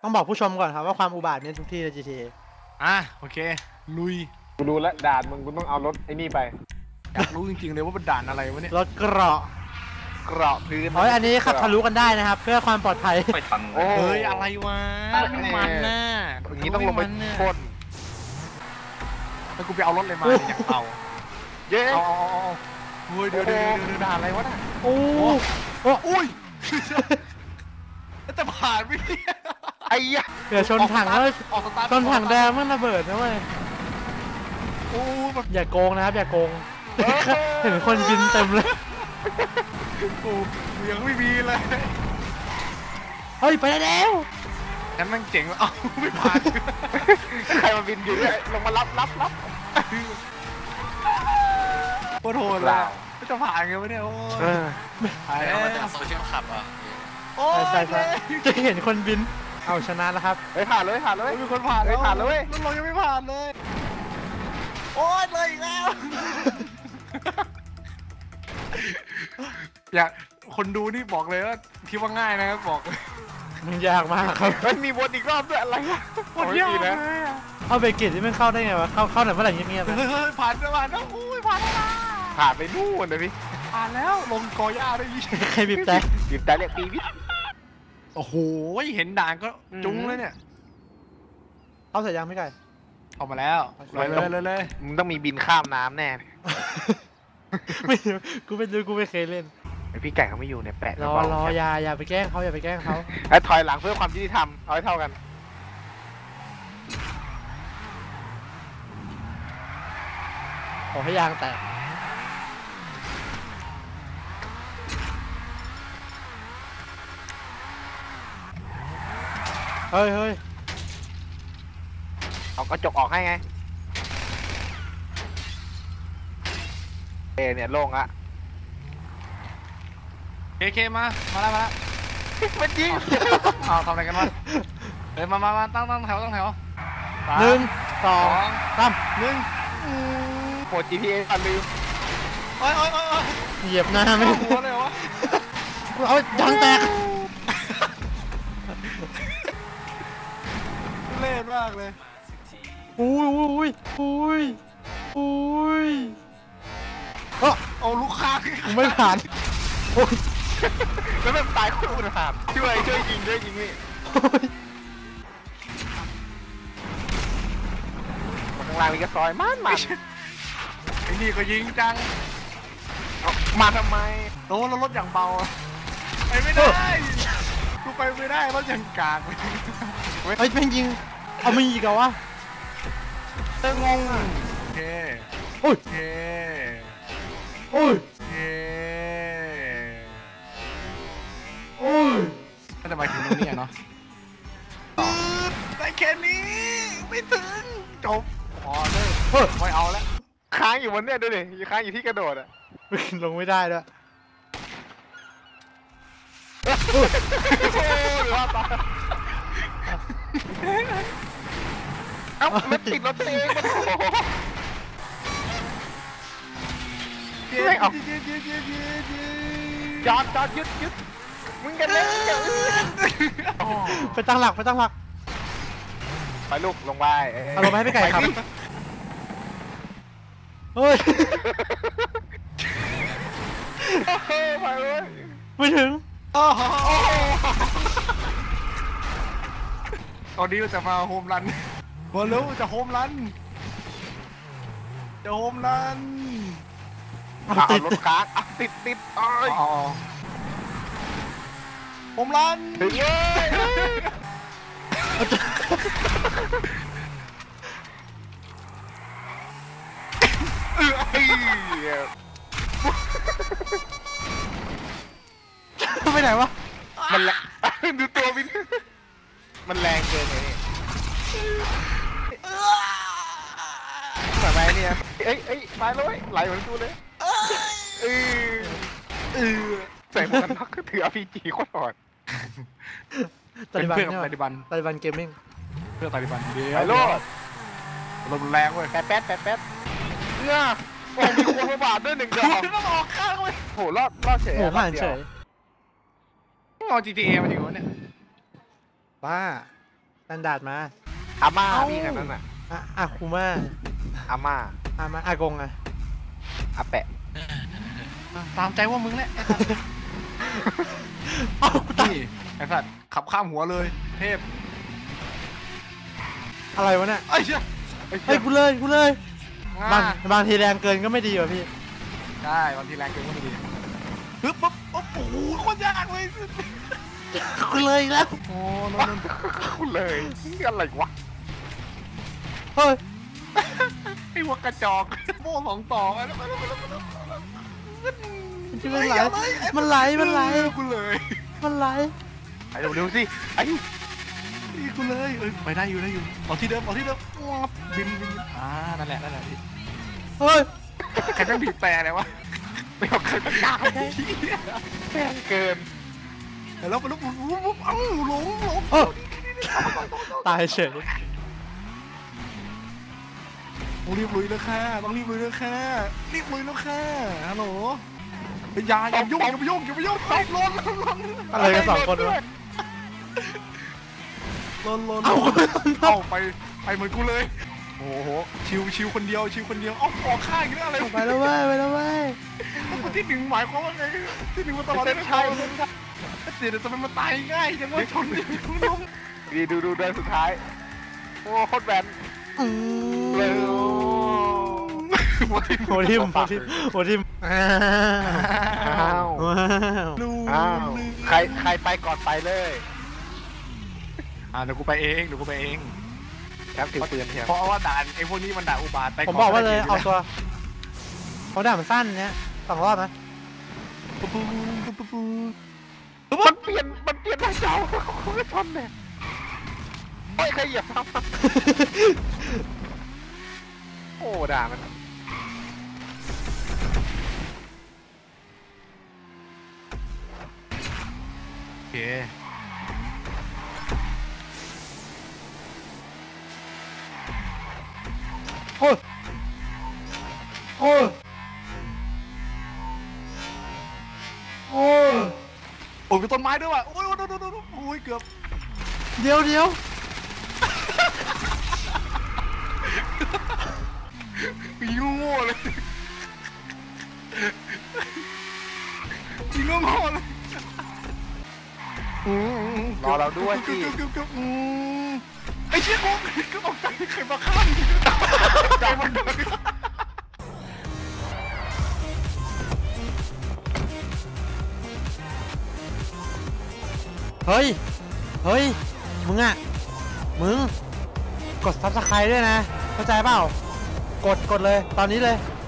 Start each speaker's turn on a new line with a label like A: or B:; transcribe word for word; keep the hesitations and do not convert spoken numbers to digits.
A: ต้องบอกผู้ชมก่อนครับว่าความอุบาทมีทุกที่ใน จี ที เอ
B: อ่ะโอเคลุย
C: กูรู้แล้วด่านมึงกูต้องเอารถไอ้นี่ไป
B: อยากรู้จริงๆเลยว่าเป็นด่านอะไรวะเนี่ย
A: รถเกราะ
C: เกราะพื้น
A: เฮ้ยอันนี้ขับทะลุกันได้นะครับเพื่อความปลอดภัย
D: ไม่ทันเล
B: เฮ้
D: ย
B: ยอะไรวะไม่มันน่ะ
C: อย่างนี้ต้องลงไปพ่น
B: แล้วกูไปเอารถเลยมาเนี่ยอยากเอา
C: เย้
B: เอาเอาเอาเฮ้ยเดี๋ยวเดี๋ยวเดี๋ยวด่านอะไรวะน่ะ
A: โอ้โอ้
B: อุ้ยจะผ่านไหม
C: ไอ้ยะ
A: เดี๋ยวชนถังแล้วชนถังแดงมันระเบิดนะเว้ย
B: โอ้แบบ
A: อย่าโกงนะครับอย่าโกงเห็นคนบินเต็มเลย
B: กูยังไม่มีเลย
A: เฮ้ยไปแล้ว
B: นั่นมันเจ๋งเอ้าไม่ผ่าน
C: ใครมาบินอยู่เนี่ยลงมารับรับรับ
B: โคตรโหดเลยไม่จะผ่านไงวะเนี่ยโอ้ย
D: ถ่ายแล้วมาจากโซเชียลขับอ่ะ
A: ใช่ใช่จะเห็นคนบินเอาชนะแล้วครับ
C: เฮ้ยผ่านเลยผ่านเลย
B: มีคนผ่าน
C: เลยผ่านเลย
B: รถเรายังไม่ผ่านเลยโอ้ยเลยอีกแล้วอยากคนดูนี่บอกเลยว่าคิดว่าง่ายนะครับบอก
A: มันยากมากครับ
C: มันมีวนอีกรอบด้วยอะไรอะ
B: วนยากนะ
A: เข้าเบรกิตที่มันเข้าได้ไงวะเข้าเข้าไหนเมื่อไหร่เงียบ
B: ๆผ่านแล้วผ่านแล้วโอ้ยผ่านแล้ว
C: ผ่านไปนู่นเลยพี่
B: ผ่านแล้วลงกอหญ้าได้ยี่
A: ใครบีบแต่
C: บีบแต่เรียกปีวิท
B: โอ้โหเห็นด่านก็จุ้งเลยเนี่ย
A: เข้าเสร็จยังไม่ไกล
B: เข้ามาแล้วเลยเลยเลย
C: มึงต้องมีบินข้ามน้ำแน่
A: ไม่กูไม่รู้กูไม่เคยเล่น
C: ไอพี่ไก่เขาไม่อยู่เนี่ยแปะ
A: รอรออย่าอย่าไปแกล้งเขาอย่าไปแกล้งเขา
C: ไอ้ถอยหลังเพื่อความยุติธรรมเอาให้เท่ากัน
A: ขอให้ยางแตกเฮ้ยเฮ้ย
C: เอากระจกออกให้ไงเอเนี่ยโล่งละ
B: เคเคมามาแล้วมาแล้ว
C: มันยิง
B: เอาทำอะไรกันวะเฮ้ยมามามาตั้งตั้งแถวตั้งแถว
A: หนึ่งสองสาม
B: หนึ่ง
C: โหมด จี พี เอ อันลืม
B: โอ้ยโอ้ยโอ้ย
A: เหยียบหน้าไม่
B: หัวเลยวะ
A: เอายางแตก
B: เล่นมากเลย
A: อุ้ยอุ้ยอุ้ยอุ้ย
B: เออเอาลูกค้า
A: ไม่ผ่านโอ้ย
C: แล้วมันตายคู่กันผ่านช่วยช่วยยิงช่วยยิงนี่ข้างล่างมีกระซอยมันมัน
B: ไอ้นี่ก็ยิงจัง
C: มาทำไม
B: โอ้แล้วรถอย่างเบาไปไม่ได้กูไปไม่ได้รถอย่างกาก
A: เฮ้ยเป็นยิงเอามีอีกเหรอวะ
C: เต้งง
B: โอเค
A: โอ้ย
B: โอเค
A: โอ้ย
B: โอเค
A: โอ้ย
B: ก็จะไปถึงตรงนี้เนาะได้แค่นี้ไม่ถึงจบพอเลยไม่เอาแล้ว
C: ค้างอยู่บนเนี่ยดูดิค้างอยู่ที่กระโดดอะ
A: ลงไม่ได้ด้วย
C: เอ้ามันติดรถเองไม่ออกจอดจอดยึดยึดมึงกันเล่น
A: ไปตั้งหลักไปตั้งหลัก
C: ไปลูกลงไป
A: เอาลงไปให้พี่ไก่ครับเฮ้ย
C: ไปเลย
A: ไม่ถึง
B: ตอนนี้เราจะมาโฮมรันบอลลูจะโฮมรันจะโฮมรัน
C: ติดรถค้างติดติดอ๋อ
B: โฮมรัน
C: ถึงเลย
A: ไปไหนวะ
C: มันแรงดูตัววินมันแรงเกินเลยแบบไรเนี่ยเอ้ยเอ้ยมาเลยไหลเหมือนกูเลยเออเออใส่หมวกกันน็อกถือ อาร์ พี จี โคตรอ่อน
B: เป็นเพื่อนกับตาลิบัน
A: ตาลิบันเกมมิ่ง
B: เพื่อนตาลิบันเดียว
C: ไปโลด
B: ลมแรงเว้ย
C: แป๊ดแป๊ดแป๊ดแป๊ดเนี่ยโอ้มีคนมาบาดด้วยหนึ่งดอก
B: ต้องออกข้างเว้ย
C: โหรอดรอดเฉย
A: โหผ่านเฉย
B: เอา จี ที เอ มาอยู่เนี่ย
A: บ้าตันดาร์ดมา
C: อาม่าพี่กันนั่นน่ะ
A: อะอาคูมา
C: อาม่า
A: อามาอากงอะ
C: อาแปะ
B: ตามใจว่ามึงแหละไอ้สัตว์
A: เอ้ากูตาย
B: นี่ไอ้สัตว์ขับข้ามหัวเลย เทพ
A: อะไรวะเนี่ย
B: ไอ้เชี่ย
A: เฮ้ยกูเลยกูเลยบาง
B: อ่า
A: บางทีแรงเกินก็ไม่ดีว่ะพี่
B: ได้บางทีแรงเกินก็ไม่ดีปึ๊บปุ๊บโอ้โหโคตรยากเลย
A: กูเลยอีกแล้ว
B: โอ้โนน
C: คุณเลยนี่อะไรวะ
A: เฮ้ย
B: ไอ้หัวกระจอกโม่สองต่อไปแล้วไปแล้วไปแล้วไปแล้ว
A: มันไหลมันไหลมันไหล
B: กูเลย
A: มันไหล
C: ไปเร็วๆสิไอ้
B: นี่กูเลยเอ้ยไปได้อยู่ได้อยู่เอาที่เดิมเอาที่เดิมวับบินบินอ่านั่นแหละนั่นแหละพี่
A: เฮ้ย
B: ใครต้องบีบแต่เลยวะ
C: ไม่เอาใครตั้งได้แพงเกิน
B: แล้วไปแล้วปุ๊บปุ๊บปุ๊บเอ้าหลงหลง
A: เออตายเฉย
B: ต้องรีบลุยแล้วค่ะต้องรีบลุยแล้วค่ะรีบลุยแล้วค่ะฮัลโหลเป็นยาอย่ายุ่งอย่าไปยุ่งอย่าไปยุ่งตบลนลนลน
A: อะไรกันสองคนวะ
B: ลนลน
A: เอา
B: เอาไปไปเหมือนกูเลยโอ้โหชิวชิวคนเดียวชิวคนเดียวเอ้าออกข้างอีกแล้วอะไร
A: ไปแล้วเว้ยไปแล้วเว้ย
B: คนที่หนึ่งหมายความว่าไงที่หนึ่งมาตลอดเลยใช่เดี๋ยวจะเป็นมาตายง่ายจังวะชนดิน้อง
C: ดีดูดูเดินสุดท้าย โอ้โคตรแบน
A: อืม
C: เร็ว
B: หัวทิ่ม
A: โหทิมโหทิมโหทิมอ้า
C: อ้าว
A: วว้าว
B: ลู
C: อ้าวใครใครไปก่อนไปเลย
B: อ่าเดี๋ยวกูไปเองเดี๋ยวกูไปเอง
C: แชมป์ถือปืนเทียม
B: เพราะว่าด่านไอ้พวกนี้มันด่าอุบาทไป
A: ผมบอกว่าเลยเอาตัวเขาด่ามันสั้นเนี้ยสองรอบนะ
B: ปุ๊บปุ๊บปุ๊บปุ๊บปุ๊บ
C: มันเปลี่ยนมันเปลี่ยนทางเจ้าเขาไม่ชนเนี่ยโอ้ยใครเหยียบครับโอ้ด่ามัน
B: โอเค
A: โอ้ยโอ้ยโอ้ย
B: โอ้ยมีต้นไม้ด้วยว่ะโอ้ยโอ้ยโอ้ยโอ้ยโอ้ยเกือบ
A: เดี๋ยวเดี๋ยว
B: ปีโง่เลยปีโง่เลย
C: รอเราด้วยสิ
B: เกือบเกือบเกือบอืมไอ้เชี่ยกูก็ตกใจใครมาข้ามใจมันเลย
A: เฮ้ยเฮ้ยมึงอะมึงกดซับสไครต์ด้วยนะเข้าใจเปล่ากดกดเลยตอนนี้เลย